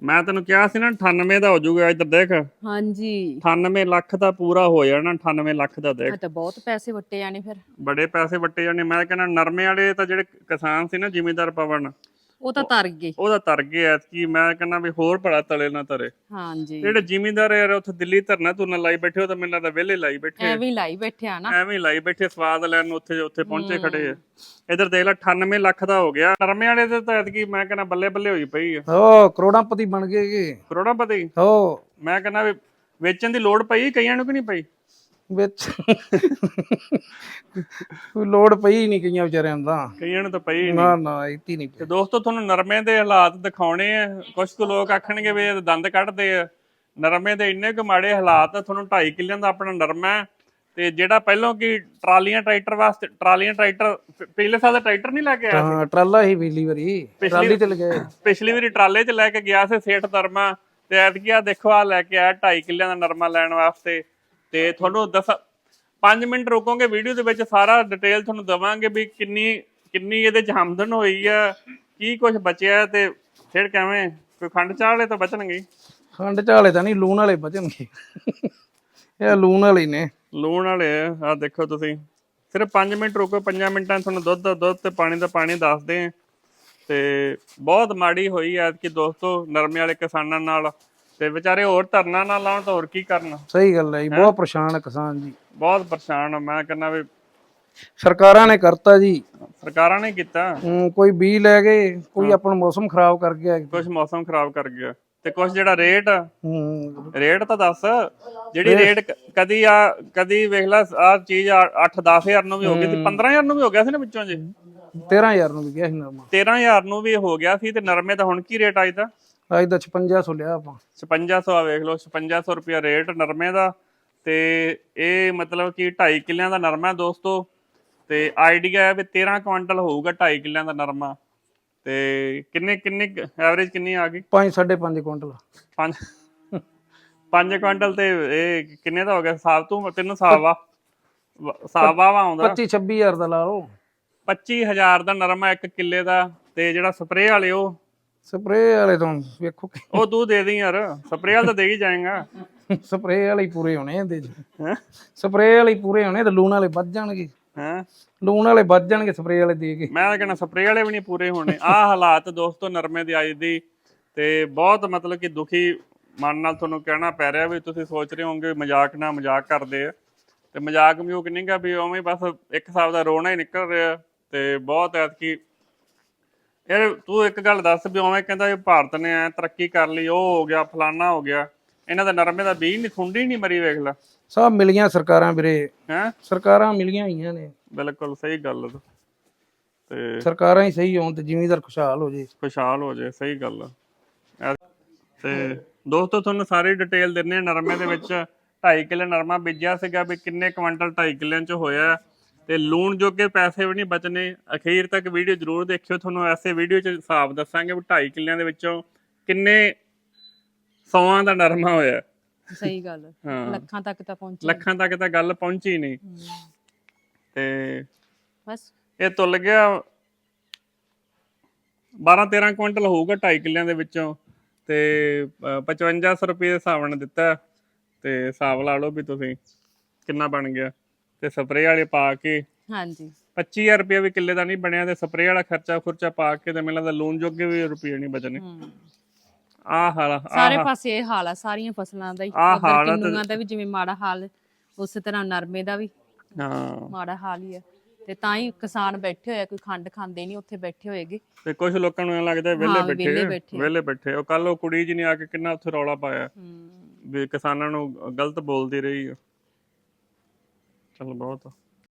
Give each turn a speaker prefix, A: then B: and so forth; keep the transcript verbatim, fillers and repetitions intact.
A: ਮੈਂ ਤੈਨੂੰ ਕਿਹਾ ਸੀ ਨਾ ਅਠਾਨਵੇਂ ਦਾ ਹੋ ਜਾਊਗਾ। ਇੱਧਰ ਦੇਖ,
B: ਹਾਂਜੀ
A: ਅਠਾਨਵੇਂ ਲੱਖ ਦਾ ਪੂਰਾ ਹੋ ਜਾਣਾ। ਅਠਾਨਵੇਂ ਲੱਖ ਦਾ ਦੇਖ,
B: ਆ ਤਾਂ ਬਹੁਤ ਪੈਸੇ ਵੱਟੇ ਜਾਣੇ ਫਿਰ।
A: ਬੜੇ ਪੈਸੇ ਵੱਟੇ ਜਾਣੇ। ਮੈਂ ਕਹਿੰਦਾ ਨਰਮੇ ਵਾਲੇ ਤਾਂ ਜਿਹੜੇ ਕਿਸਾਨ ਸੀ ਨਾ, ਜ਼ਿਮੀਂਦਾਰ ਪਵਨ,
B: ਉਹ ਤਾਂ ਤਰ ਗਏ।
A: ਉਹਦਾ ਤਰ ਗਏ ਐਤਕੀ। ਮੈਂ ਕਹਿੰਦਾ ਵੀ ਹੋਰ ਭਲਾ ਤਲੇ ਨਾ ਤਰੇ।
B: ਹਾਂਜੀ
A: ਜਿਹੜੇ ਜ਼ਿਮੀਂਦਾਰ ਯਾਰ ਉੱਥੇ ਦਿੱਲੀ ਧਰਨਾ ਧੁਰਨਾ ਲਾਈ ਬੈਠੇ, ਉਹ ਤਾਂ ਮੈਨੂੰ ਲੱਗਦਾ ਵਿਹਲੇ ਲਾਈ ਬੈਠੇ,
B: ਐਵੇਂ ਹੀ ਲਾਈ ਬੈਠੇ ਆ ਨਾ,
A: ਐਵੇਂ ਲਾਈ ਬੈਠੇ ਸਵਾਦ ਲੈਣ ਨੂੰ ਉੱਥੇ ਉੱਥੇ ਪਹੁੰਚੇ ਖੜੇ ਆ। ਇੱਧਰ ਦੇਖ ਲੈ ਅਠਾਨਵੇਂ ਲੱਖ ਦਾ ਹੋ ਗਿਆ। ਨਰਮੇ ਵਾਲੇ ਦੇ ਤਾਂ ਐਤਕੀ ਮੈਂ ਕਹਿੰਦਾ ਬੱਲੇ ਬੱਲੇ ਹੋਈ ਪਈ ਆ।
C: ਹੋ ਕਰੋੜਾਪਤੀ ਬਣ ਗਏ ਜੀ,
A: ਕਰੋੜਾਪਤੀ।
C: ਹੋ
A: ਮੈਂ ਕਹਿੰਦਾ ਵੀ ਵੇਚਣ ਦੀ ਲੋੜ ਪਈ ਕਈਆਂ ਨੂੰ ਕਿ ਨਹੀਂ ਪਈ?
C: ਵਿੱਚ ਕੋਈ ਲੋੜ ਪਈ ਨਹੀਂ ਕਈਆਂ ਵਿਚਾਰਿਆਂ ਨੂੰ ਤਾਂ,
A: ਕਈਆਂ ਨੂੰ ਤਾਂ ਪਈ
C: ਨਾ
A: ਨਹੀਂ।
C: ਨਾ ਇੱਥੇ ਨਹੀਂ
A: ਤੇ ਦੋਸਤੋ ਤੁਹਾਨੂੰ ਨਰਮੇ ਦੇ ਹਾਲਾਤ ਦਿਖਾਉਣੇ ਆ। ਕੁਝ ਕੁ ਲੋਕ ਆਖਣਗੇ ਵੀ ਇਹ ਦੰਦ ਕੱਢਦੇ ਆ। ਨਰਮੇ ਦੇ ਇੰਨੇ ਕੁ ਮਾੜੇ ਹਾਲਾਤ। ਤੁਹਾਨੂੰ ਢਾਈ ਕਿੱਲਿਆਂ ਦਾ ਆਪਣਾ ਨਰਮਾ ਹੈ, ਤੇ ਜਿਹੜਾ ਪਹਿਲਾਂ ਕੀ ਟਰਾਲੀਆਂ ਟਰੈਕਟਰ ਵਾਸਤੇ, ਟਰਾਲੀਆਂ ਟਰੈਕਟਰ ਪਿਛਲੇ ਸਾਲ ਦਾ ਟਰੈਕਟਰ ਨਹੀਂ ਲੈ ਕੇ ਆਇਆ ਸੀ?
C: ਹਾਂ ਟਰਾਲਾ ਹੀ ਪਿਛਲੀ ਵਾਰੀ ਟਰਾਲੀ ਤੇ ਲਗਾਏ,
A: ਪਿਛਲੀ ਵਾਰੀ ਟਰਾਲੇ 'ਚ ਲੈ ਕੇ ਗਿਆ ਸੀ ਸੇਠ ਨਰਮਾ, ਤੇ ਐਤਕੀ ਆ ਦੇਖੋ ਆ ਲੈ ਕੇ ਆਇਆ ਢਾਈ ਕਿੱਲਿਆਂ ਦਾ ਨਰਮਾ ਲੈਣ ਵਾਸਤੇ। ਤੇ ਤੁਹਾਨੂੰ ਦਸ ਪੰਜ ਮਿੰਟ ਰੁਕੋਗੇ ਵੀਡੀਓ ਦੇ ਵਿੱਚ ਸਾਰਾ ਡਿਟੇਲ ਤੁਹਾਨੂੰ ਦਵਾਂਗੇ ਵੀ ਕਿੰਨੀ ਕਿੰਨੀ ਇਹਦੇ 'ਚ ਆਮਦਨ ਹੋਈ ਆ, ਕੀ ਕੁਝ ਬਚਿਆ, ਤੇ ਫਿਰ ਕਿਵੇਂ ਕੋਈ ਖੰਡ ਚਾਹ ਵਾਲੇ ਤਾਂ ਬਚਣਗੇ।
C: ਖੰਡ ਝਾਲੇ ਤਾਂ ਨਹੀਂ, ਲੂਣ ਵਾਲੇ ਬਚਣਗੇ। ਇਹ ਲੂਣ ਵਾਲੇ ਨੇ,
A: ਲੂਣ ਵਾਲੇ ਆ। ਆਹ ਦੇਖੋ ਤੁਸੀਂ, ਸਿਰਫ ਪੰਜ ਮਿੰਟ ਰੁਕੋ, ਪੰਜਾਂ ਮਿੰਟਾਂ ਤੁਹਾਨੂੰ ਦੁੱਧ ਦਾ ਦੁੱਧ ਤੇ ਪਾਣੀ ਦਾ ਪਾਣੀ ਦੱਸਦੇ ਆ। ਤੇ ਬਹੁਤ ਮਾੜੀ ਹੋਈ ਐਤਕੀ ਦੋਸਤੋ ਨਰਮੇ ਵਾਲੇ ਕਿਸਾਨਾਂ ਨਾਲ। ਤੇ ਵਿਚਾਰੇ ਹੋਰ ਧਰਨਾ ਨਾ ਲਾਉਣ ਤਾਂ ਹੋਰ ਕੀ ਕਰਨ।
C: ਸਹੀ ਗੱਲ ਹੈ ਜੀ, ਬਹੁਤ ਪਰੇਸ਼ਾਨ ਹੈ ਕਿਸਾਨ ਜੀ,
A: ਬਹੁਤ ਪਰੇਸ਼ਾਨ ਆ। ਮੈਂ ਕਹਿੰਦਾ ਵੀ
C: ਸਰਕਾਰਾਂ ਨੇ ਕਰਤਾ ਜੀ,
A: ਸਰਕਾਰਾਂ ਨੇ ਕੀਤਾ,
C: ਹੂੰ ਕੋਈ ਬੀਜ ਲੈ ਗਏ, ਕੋਈ ਆਪਣਾ ਮੌਸਮ ਖਰਾਬ ਕਰ ਗਿਆ,
A: ਕੁਝ ਮੌਸਮ ਖਰਾਬ ਕਰ ਗਿਆ, ਤੇ ਕੁਝ ਜਿਹੜਾ ਰੇਟ
C: ਹੂੰ
A: ਰੇਟ ਤਾਂ ਦੱਸ। ਜਿਹੜੀ ਰੇਟ ਕ- ਕਦੀ ਆ ਕਦੀ ਵੇਖ ਲੈ ਆ ਚੀਜ਼ ਅੱਠ ਦਸ ਹਜ਼ਾਰ ਨੂੰ ਵੀ ਹੋ ਗਈ ਸੀ, ਪੰਦਰਾਂ ਹਜ਼ਾਰ ਨੂੰ ਵੀ ਹੋ ਗਿਆ ਸੀ ਨਾ ਵਿੱਚੋਂ ਜੀ,
C: ਤੇਰਾਂ ਹਜ਼ਾਰ ਨੂੰ ਵੀ ਗਿਆ ਸੀ ਨਰਮਾ,
A: ਤੇਰਾਂ ਹਜ਼ਾਰ ਨੂੰ ਵੀ ਹੋ ਗਿਆ ਸੀ। ਤੇ ਨਰਮੇ ਦਾ ਹੁਣ ਕੀ ਰੇਟ ਆਈ ਦਾ?
C: ਅੱਜ ਦਾ ਛਪੰਜਾ ਸੌ ਲਿਆ ਆਪਾਂ।
A: ਛਪੰਜਾ ਸੌ ਆ ਵੇਖ ਲਓ, ਛਪੰਜਾ ਸੌ ਰੁਪਇਆ ਰੇਟ ਨਰਮੇ ਦਾ। ਤੇ ਇਹ ਮਤਲਬ ਕਿ ਢਾਈ ਕਿੱਲਿਆਂ ਦਾ ਨਰਮਾ ਦੋਸਤੋ। ਤੇ ਆਈਡੀਆ ਹੈ ਵੀ ਤੇਰਾਂ ਕੁਆਂਟਲ ਹੋਊਗਾ ਢਾਈ ਕਿੱਲਿਆਂ ਦਾ ਨਰਮਾ। ਤੇ ਕਿੰਨੇ ਕਿੰਨੇ ਐਵਰੇਜ ਕਿੰਨੀ ਆ ਗਈ?
C: ਪੰਜ ਸਾਢੇ ਪੰਜ ਕੁਇੰਟਲ।
A: ਪੰਜ ਪੰਜ ਕੁਆਂਟਲ। ਤੇ ਇਹ ਕਿੰਨੇ ਦਾ ਹੋ ਗਿਆ ਹਿਸਾਬ? ਤੂੰ ਤੈਨੂੰ ਹਿਸਾਬ ਆ ਹਿਸਾਬ ਆ ਆਉਂਦਾ
C: ਪੱਚੀ ਛੱਬੀ ਹਜ਼ਾਰ ਦਾ ਲਾ ਲਓ।
A: ਪੱਚੀ ਹਜ਼ਾਰ ਦਾ ਨਰਮਾ ਇੱਕ ਕਿੱਲੇ ਦਾ। ਤੇ ਜਿਹੜਾ ਸਪਰੇਅ ਵਾਲੇ ਉਹ
C: ਸਪਰੇਅ ਵਾਲੇ ਤੋਂ ਵੇਖੋ,
A: ਉਹ ਤੂੰ ਦੇ ਦੀ ਯਾਰ, ਸਪਰੇਅ ਵਾਲਾ ਤਾਂ ਦੇ ਹੀ ਜਾਏਗਾ।
C: ਸਪਰੇਅ ਵਾਲੇ ਹੀ ਪੂਰੇ ਹੋਣੇ ਇਹਦੇ ਚ,
A: ਹੈਂ
C: ਸਪਰੇਅ ਵਾਲੇ ਹੀ ਪੂਰੇ ਹੋਣੇ ਤੇ ਲੂਣ ਵਾਲੇ ਵੱਧ ਜਾਣਗੇ,
A: ਹੈਂ
C: ਲੂਣ ਵਾਲੇ ਵੱਧ ਜਾਣਗੇ ਸਪਰੇਅ ਵਾਲੇ ਦੇ ਕੇ।
A: ਮੈਂ ਤਾਂ ਕਹਿੰਦਾ ਸਪਰੇਅ ਵਾਲੇ ਵੀ ਨਹੀਂ ਪੂਰੇ ਹੋਣੇ। ਆਹ ਹਾਲਾਤ ਦੋਸਤੋ ਨਰਮੇ ਦੀ ਅੱਜ ਦੀ। ਤੇ ਬਹੁਤ ਮਤਲਬ ਕਿ ਦੁਖੀ ਮਨ ਨਾਲ ਤੁਹਾਨੂੰ ਕਹਿਣਾ ਪੈ ਰਿਹਾ ਵੀ ਤੁਸੀਂ ਸੋਚ ਰਹੇ ਹੋਵੋਗੇ ਮਜ਼ਾਕ ਨਾਲ ਮਜ਼ਾਕ ਕਰਦੇ ਆ। ਤੇ ਮਜ਼ਾਕ ਮਜ਼ੂਕ ਨਹੀਂ ਗਾ, ਵੀ ਉਵੇਂ ਬਸ ਇੱਕ ਹਿਸਾਬ ਦਾ ਰੋਣਾ ਹੀ ਨਿਕਲ ਰਿਹਾ। ਤੇ ਬਹੁਤ ਐਤਕੀ ਯਾਰ ਤੂੰ ਇੱਕ ਗੱਲ ਦੱਸ, ਵੀ ਉਵੇਂ ਕਹਿੰਦਾ ਵੀ ਭਾਰਤ ਨੇ ਐ ਤਰੱਕੀ ਕਰ ਲਈ, ਉਹ ਹੋ ਗਿਆ ਫਲਾਨਾ ਹੋ ਗਿਆ, ਇਹਨਾਂ ਦਾ ਨਰਮੇ ਦਾ ਬੀਜ ਨਹੀਂ, ਖੁੰਡੀ ਨਹੀਂ ਮਰੀ ਵੇਖ ਲੈ।
C: ਸਭ ਮਿਲੀਆਂ ਸਰਕਾਰਾਂ ਵੀਰੇ,
A: ਹੈਂ
C: ਸਰਕਾਰਾਂ ਮਿਲੀਆਂ ਹੋਈਆਂ ਨੇ।
A: ਬਿਲਕੁਲ ਸਹੀ ਗੱਲ। ਤੇ
C: ਸਰਕਾਰਾਂ ਹੀ ਸਹੀ ਹੋਣ ਤੇ ਜ਼ਿਮੀਂਦਾਰ ਖੁਸ਼ਹਾਲ ਹੋ ਜੇ,
A: ਖੁਸ਼ਹਾਲ ਹੋ ਜਾਏ। ਸਹੀ ਗੱਲ ਆ। ਤੇ ਦੋਸਤੋ ਤੁਹਾਨੂੰ ਸਾਰੀ ਡਿਟੇਲ ਦਿੰਦੇ ਆ। ਨਰਮੇ ਦੇ ਵਿੱਚ ਢਾਈ ਕਿੱਲੇ ਨਰਮਾ ਬੀਜਿਆ ਸੀਗਾ, ਵੀ ਕਿੰਨੇ ਕੁਆਂਟਲ ਢਾਈ ਕਿੱਲਿਆਂ 'ਚ ਹੋਇਆ। ਤੇ ਲੂਣ ਜੋਗੇ ਪੈਸੇ ਵੀ ਨਹੀਂ ਬਚਨੇ। ਅਖੀਰ ਤੱਕ ਵੀਡੀਓ ਜ਼ਰੂਰ ਦੇਖਿਓ, ਤੁਹਾਨੂੰ ਐਸੇ ਵੀਡੀਓ 'ਚ ਹਿਸਾਬ ਦੱਸਾਂਗੇ ਵੀ ਢਾਈ ਕਿੱਲਿਆਂ ਦੇ ਵਿੱਚੋਂ ਕਿੰਨੇ ਸੌਆਂ ਦਾ ਨਰਮਾ ਹੋਇਆ।
B: ਸਹੀ ਗੱਲ,
A: ਹਾਂ
B: ਲੱਖਾਂ ਤੱਕ ਤਾਂ ਪਹੁੰਚੇ,
A: ਲੱਖਾਂ ਤੱਕ ਤਾਂ ਗੱਲ ਪਹੁੰਚੀ ਨਹੀਂ। ਤੇ
B: ਬਸ
A: ਇਹ ਤੁੱਲ ਗਿਆ ਬਾਰਾਂ ਤੇਰਾਂ ਕੁਇੰਟਲ ਹੋਊਗਾ ਢਾਈ ਕਿੱਲਿਆਂ ਦੇ ਵਿੱਚੋਂ। ਤੇ ਪਚਵੰਜਾ ਸੌ ਰੁਪਏ ਦੇ ਹਿਸਾਬ ਨਾਲ ਦਿੱਤਾ। ਤੇ ਹਿਸਾਬ ਲਾ ਲਓ ਵੀ ਤੁਸੀਂ ਕਿੰਨਾ ਬਣ ਗਿਆ। ਤੇ ਸਪਰੇਅ ਵਾਲੇ ਪਾ ਕੇ
B: ਹਾਂਜੀ
A: ਪੱਚੀ ਹਜ਼ਾਰ ਰੁਪਇਆ ਵੀ ਕਿੱਲੇ ਦਾ ਨਹੀਂ ਬਣਿਆ। ਤੇ ਸਪਰੇਅ ਵਾਲਾ ਖਰਚਾ ਖੁਰਚਾ ਪਾ ਕੇ ਤੇ ਮੈਨੂੰ ਲੱਗਦਾ ਲੂਣ ਜੋਗੇ ਵੀ ਰੁਪਏ ਨਹੀਂ ਬਚਣੇ। ਆਹ ਹਾਲ
B: ਸਾਰੇ ਪਾਸੇ ਇਹ ਹਾਲ ਆ, ਸਾਰੀਆਂ ਫਸਲਾਂ ਦਾ ਹੀ। ਉਧਰ ਕਿੰਨੂਆਂ ਦਾ ਵੀ ਜਿਵੇਂ ਮਾੜਾ ਹਾਲ, ਉਸੇ ਤਰ੍ਹਾਂ ਨਰਮੇ ਦਾ ਵੀ
A: ਹਾਂ
B: ਮਾੜਾ ਹਾਲ ਹੀ ਆ। ਤੇ ਤਾਂ ਹੀ ਕਿਸਾਨ ਬੈਠੇ ਹੋਏ ਆ, ਕੋਈ ਖੰਡ ਖਾਂਦੇ ਨਹੀਂ ਉੱਥੇ ਬੈਠੇ ਹੋਏਗੇ।
A: ਤੇ ਕੁਝ ਲੋਕਾਂ ਨੂੰ ਐਂ ਲੱਗਦਾ ਵਿਹਲੇ ਬੈਠੇ ਵਿਹਲੇ ਬੈਠੇ। ਉਹ ਕੱਲ ਉਹ ਕੁੜੀ ਜੀ ਨੇ ਆ ਕੇ ਕਿੰਨਾ ਉੱਥੇ ਰੌਲਾ ਪਾਇਆ ਵੀ ਕਿਸਾਨਾਂ ਨੂੰ ਗਲਤ ਬੋਲਦੀ ਰਹੀ ਆ। ਚਲ ਬਹੁਤ